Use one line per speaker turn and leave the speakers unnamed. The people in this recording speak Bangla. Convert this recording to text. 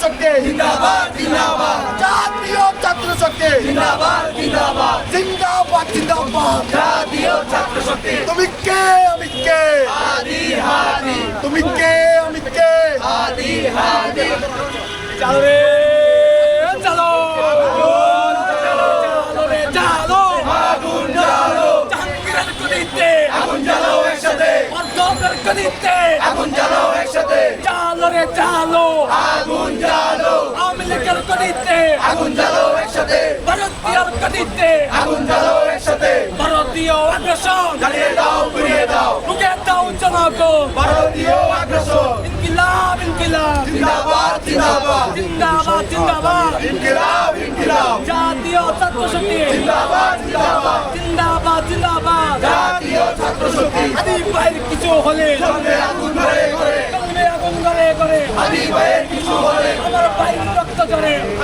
শক্তি
জিন্দাবাদ জিন্দাবাদ
জাতীয় ছাত্র শক্তি
জিন্দাবাদ জিন্দাবাদ
জিন্দাবাদ জিন্দাবাদ
জাতীয় ছাত্র শক্তি
তুমি কে আমি কে
হাদি হাদি
তুমি কে আমি কে
হাদি হাদি
চলো রে চলো চলো রে চলো
আগুন জ্বালো
জাহাঙ্গীরের গদিতে
আগুন জ্বালো একসাথে
অর্ধবের গদিতে
আগুন জ্বালো একসাথে
চলো রে চলো
আগুন জ্বালো
আওয়ামী লীগের গদিতে
আগুন জ্বালো একসাথে
ভারতীয় গদিতে
আগুন জ্বালো একসাথে
ভারতীয় আগ্রাসন
জ্বালিয়ে দাও পুড়িয়ে দাও
রুখে দাও জনগণ
ভারতীয় আগ্রাসন
ইনকিলাব ইনকিলাব
জিন্দাবাদ জিন্দাবাদ
জিন্দাবাদ জিন্দাবাদ
ইনকিলাব ইনকিলাব
জাতীয় ছাত্র শক্তি
জিন্দাবাদ জিন্দাবাদ
জিন্দাবাদ জিন্দাবাদ
জাতীয় ছাত্র শক্তি
আদি ভাইয়ের কিছু হলে
চলবে আগুন ধরে করে
চলবে আগুন করে করে
আদি ভাইয়ের কিছু হলে
আমার ভাইয়ের রক্ত ঝরে